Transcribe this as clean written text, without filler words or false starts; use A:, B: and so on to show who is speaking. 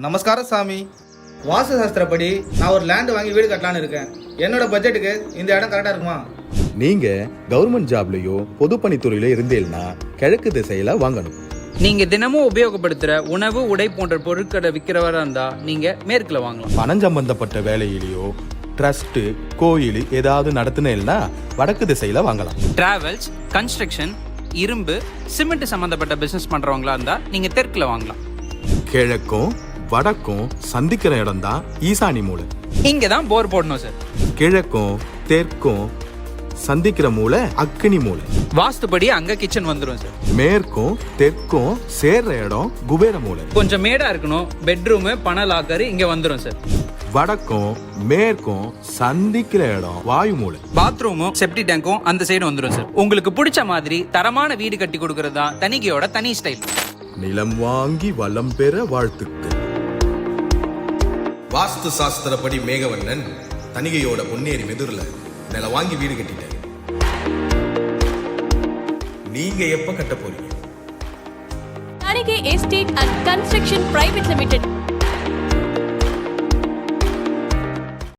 A: நமஸ்காரம் சாமி. வாஸ்து சாஸ்திரப்படி நான் ஒரு லேண்ட் வாங்கி வீடு கட்டலான்னு இருக்கேன். என்னோட பட்ஜெட்டுக்கு இந்த இடம் கரெக்டா இருக்குமா?
B: நீங்க கவர்மெண்ட் ஜாப்லயோ பொதுப்பணித்துறையில இருந்தேன்னா கிழக்கு திசையில வாங்கணும்.
C: நீங்க தினமும் உபயோகப்படுத்துற உணவு உடை போன்ற பொருட்களை விற்கிறவரா இருந்தா நீங்க மேற்குல வாங்கலாம்.
B: பணம் சம்பந்தப்பட்ட வேலையிலயோ ட்ரஸ்ட் கோயில் ஏதாவது நடத்துனேன்னா வடக்கு திசையில வாங்கலாம்.
C: டிராவல்ஸ், கன்ஸ்ட்ரக்ஷன், இரும்பு, சிமெண்ட் சம்பந்தப்பட்ட பிசினஸ் பண்றவங்களா இருந்தா நீங்க தெற்குல வாங்கலாம்.
B: கிழக்கும் வடக்கும் சந்திக்கிற இடம் தான் ஈசானி மூலை.
C: இங்க தான் போர் போடணும் சார்.
B: கிழக்கும் தெற்கும் சந்திக்கிற மூலை அக்னி மூலை.
C: வாஸ்துபடி அங்க கிச்சன் வந்துடும் சார்.
B: மேற்கும் தெற்கும் சேர்ற இடம் குபேர மூலை.
C: கொஞ்சம் மேடா இருக்கணும். பெட்ரூம், பண லாக்கர் இங்க வந்துடும் சார்.
B: வடக்கும் மேற்கும் சந்திக்கிற இடம் வாயு மூலை.
C: பாத்ரூமும் செப்டி டேங்கும் அந்த சைடு வந்துடும் சார். உங்களுக்கு பிடிச்ச மாதிரி தரமான வீடு கட்டி கொடுக்கறது தான் தனிகையோட தனி ஸ்டைல்.
B: நிலம் வாங்கி வளம் பெற வாழ்த்துக்கள்.
D: வாஸ்து சாஸ்திரப்படி மேகவண்ணன் தனிகையோட பொன்னேரி மெதுர்ல நில வாங்கி வீடு கட்டிட்டாரு. நீங்க எப்ப கட்ட போறீங்க?
E: Tanigay Estate and Construction Private Limited.